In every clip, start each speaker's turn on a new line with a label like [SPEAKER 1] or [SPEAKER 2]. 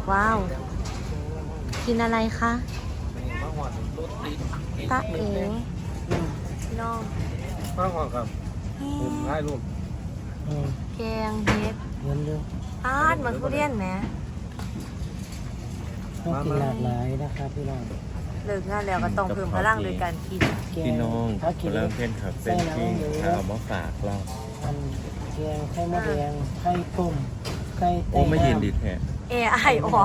[SPEAKER 1] ว้าวกินอะไรคะตาเอ๋พี่น้อง
[SPEAKER 2] ข้าวหอมครับผมได้รูป
[SPEAKER 1] แกงเห็ด
[SPEAKER 3] เงินเยอะ
[SPEAKER 1] อาดเหมือนทุเรียนไหม
[SPEAKER 3] ต้องกินหลากหลายนะครับพี่น้อง
[SPEAKER 1] เลิกงานแล้วก็ต้องเพิ่มพลังโดยการกิน
[SPEAKER 4] พี่น้อง
[SPEAKER 3] ถ้ากิน
[SPEAKER 4] เริ่มเพ่นครับเป็นที่ข้าวมาฝากเรา
[SPEAKER 3] อันแกงไข่มดแดงไข่ต้มไข่
[SPEAKER 4] โอ้ไม่เย็นดีแท้
[SPEAKER 1] เอไอออก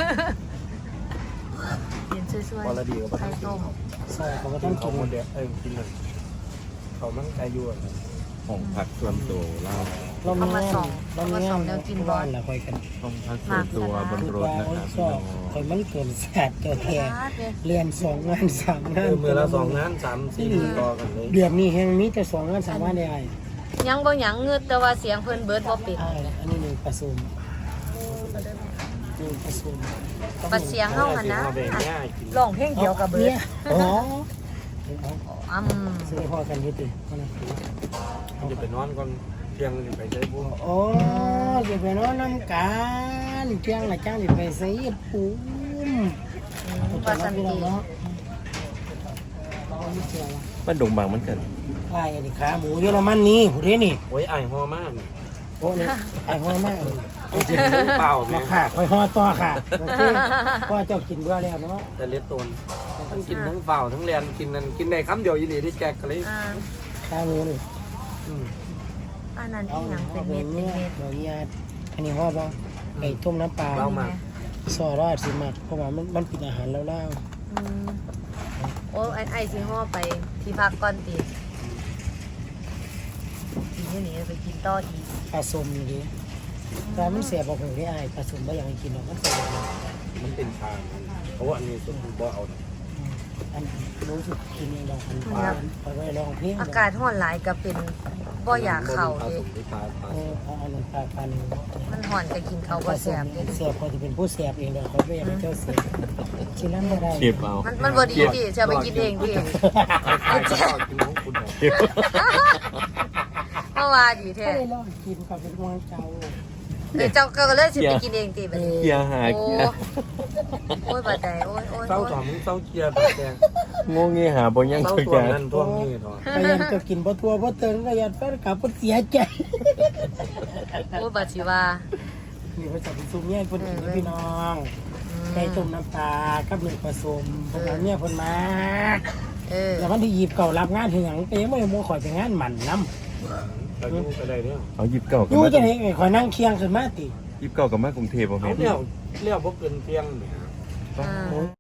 [SPEAKER 1] เย็นช่วย
[SPEAKER 2] พอละดีกับ
[SPEAKER 1] ๆไข่ต้ม
[SPEAKER 3] ซอยเขาก็
[SPEAKER 2] กิ
[SPEAKER 3] ต้
[SPEAKER 2] น
[SPEAKER 3] อง
[SPEAKER 2] ข้า
[SPEAKER 3] กิ
[SPEAKER 2] วน หมดเดียวกินเลยเขามั่งใจยั่ว
[SPEAKER 4] ของผักส่วนตัวเรา
[SPEAKER 3] เรามีงานบ้านละคอยกัน
[SPEAKER 4] ของผักส่วนตัวบนรถนะครับพี่น้อง
[SPEAKER 3] คอยมันเกินแสบตัวแทน
[SPEAKER 1] อาดเนี่ย
[SPEAKER 3] เรียน2 งาน 3 งาน
[SPEAKER 2] มือละ2 งาน 3-4มือต่อกันเลย
[SPEAKER 3] เดือนนี้แห่งนี้แต่2 งาน 3 งานได้
[SPEAKER 1] ยังบ่หยังเงืดแต่ว่าเสียงเพิ่นเบิดบ่ปิด
[SPEAKER 3] อันนี้1ประชุม1ประชุม
[SPEAKER 1] ปัดเสียงเฮาหั่นนะ
[SPEAKER 2] เบงง่ายกิน
[SPEAKER 1] ร้องเพลงเดียวกับเบิด
[SPEAKER 3] อ๋อ ซื้อพ่อกันยุตินะ
[SPEAKER 2] จะไปนอนก่อนเที่ยงไปใช้พวก
[SPEAKER 3] โอ้จะไปนอนน้ำกันเที่ยงละจ้างจะไปใส่ปูม
[SPEAKER 1] ว่าสันติ
[SPEAKER 3] เนาะ
[SPEAKER 4] บ้านดงบางมันเกิด
[SPEAKER 3] ไอ้นี่ขาหมูเยอรมันนี่ผู้เด้นี่
[SPEAKER 2] โอ้ยไอ้หอมาก
[SPEAKER 3] โอ้นี่ไอ้หัวมาก
[SPEAKER 2] กินเปล่าไหม
[SPEAKER 3] มาค่ะคอยห่อต่อค่ะโอเคพ่อเจ้ากินเบื่อแล้วเนาะ
[SPEAKER 2] แต่เล็ดตัวทั้งกินทั้งเปล่าทั้งเรียนกินนั่นกินในคำเดียวยีนี่ที่แจกกันเลย
[SPEAKER 1] อ่า
[SPEAKER 3] ขาหมูนี่
[SPEAKER 1] อันนั้น
[SPEAKER 3] เอา
[SPEAKER 1] อีหยังเป็นเม็ด
[SPEAKER 3] เนื้อ
[SPEAKER 1] เม็ด
[SPEAKER 3] เดี๋ยวญาติอันนี้ห่อบ่ไก่ต้มน้ำปลา
[SPEAKER 2] เรามา
[SPEAKER 3] ซอรอดสิมักเพราะว่ามันเป็นอาหารแล้ว
[SPEAKER 1] อืมโอ้ไอ้สิห่อไปที่พักก่อนติกินอยู่นี่ไปกินต่ออีก
[SPEAKER 3] ปลาส้มนี่ดิแต่มันเสียบอกผมได้อายปลาส้มไม่อยากให้กินหรอกมันเสีย
[SPEAKER 2] มันเป็นทางเพราะว่าอันนี้สุดบ่เอา
[SPEAKER 3] อันรู้สึกกินเองลองอันไปไว้ลองเพลง
[SPEAKER 1] อากาศร้อนหลายก็เป็นบ่อยากเข้าเด้
[SPEAKER 3] เอาอันนั้นปลาปลาหนึ่ง
[SPEAKER 1] มันร้อนก็กินข้าวบ่แซ่บเด้
[SPEAKER 3] เสียบพอจะเป็นผู้เสียบเองเดี๋ยวเขาไม่อยากให้เจ้าเสียบกินแล้วไม่ได้
[SPEAKER 4] เก็บเอา
[SPEAKER 1] มันบ่ดีพี่จะไปกินเองพี่
[SPEAKER 2] กินของคุณ
[SPEAKER 1] เมื่อวานดีแท้
[SPEAKER 3] ไม่ได้ลองกินกับเป็นวางเจ้า
[SPEAKER 1] เจ้าก็เลยสิไปกินเองติบัดนี้
[SPEAKER 4] เกียร์หา
[SPEAKER 1] โอ้
[SPEAKER 4] เกียร์
[SPEAKER 1] โอ้ยบาดใจโอ้ยโอ้ย
[SPEAKER 2] เศร้า
[SPEAKER 1] โอ้ย
[SPEAKER 2] ถอมเศร้าเกียร์แบบแดง
[SPEAKER 4] งงเงี้ยหาบ่ยัง
[SPEAKER 2] เศร้า
[SPEAKER 4] ตัว
[SPEAKER 2] ตัว
[SPEAKER 4] แก
[SPEAKER 2] นั้นท่วงนี่ถอ
[SPEAKER 3] พยายามจะกินบ่ทัวบ่เติงพยายามแฟนกลับเสียใจ
[SPEAKER 1] โอ้ยบาดสิว่า
[SPEAKER 3] นี่เขาจะไปซุ่มเนี่ยคนกินพี่น้องไก่ต้มน้ำปลากับหนึ่งผสมพวกเราเนี่ยคนมา แล้ววันที่ยีบเก่ารับงานถึงอย่างก็ยังไม่ได้โมข่อยไปงานหมันน้
[SPEAKER 2] เราอยู่ไปได้เนี่ย
[SPEAKER 4] เอายิบเก่า
[SPEAKER 3] ำ
[SPEAKER 4] กับ
[SPEAKER 3] ยู่
[SPEAKER 4] มา
[SPEAKER 3] จะเห็นไงข่อยนั่งเคียงขึ้นมาติ
[SPEAKER 4] ยิบเก่ากับมากรุงเทพบ่
[SPEAKER 2] เขา
[SPEAKER 4] แม่น
[SPEAKER 2] เลี้ยวบ่เกินเพียงเนี่ย
[SPEAKER 1] อ่า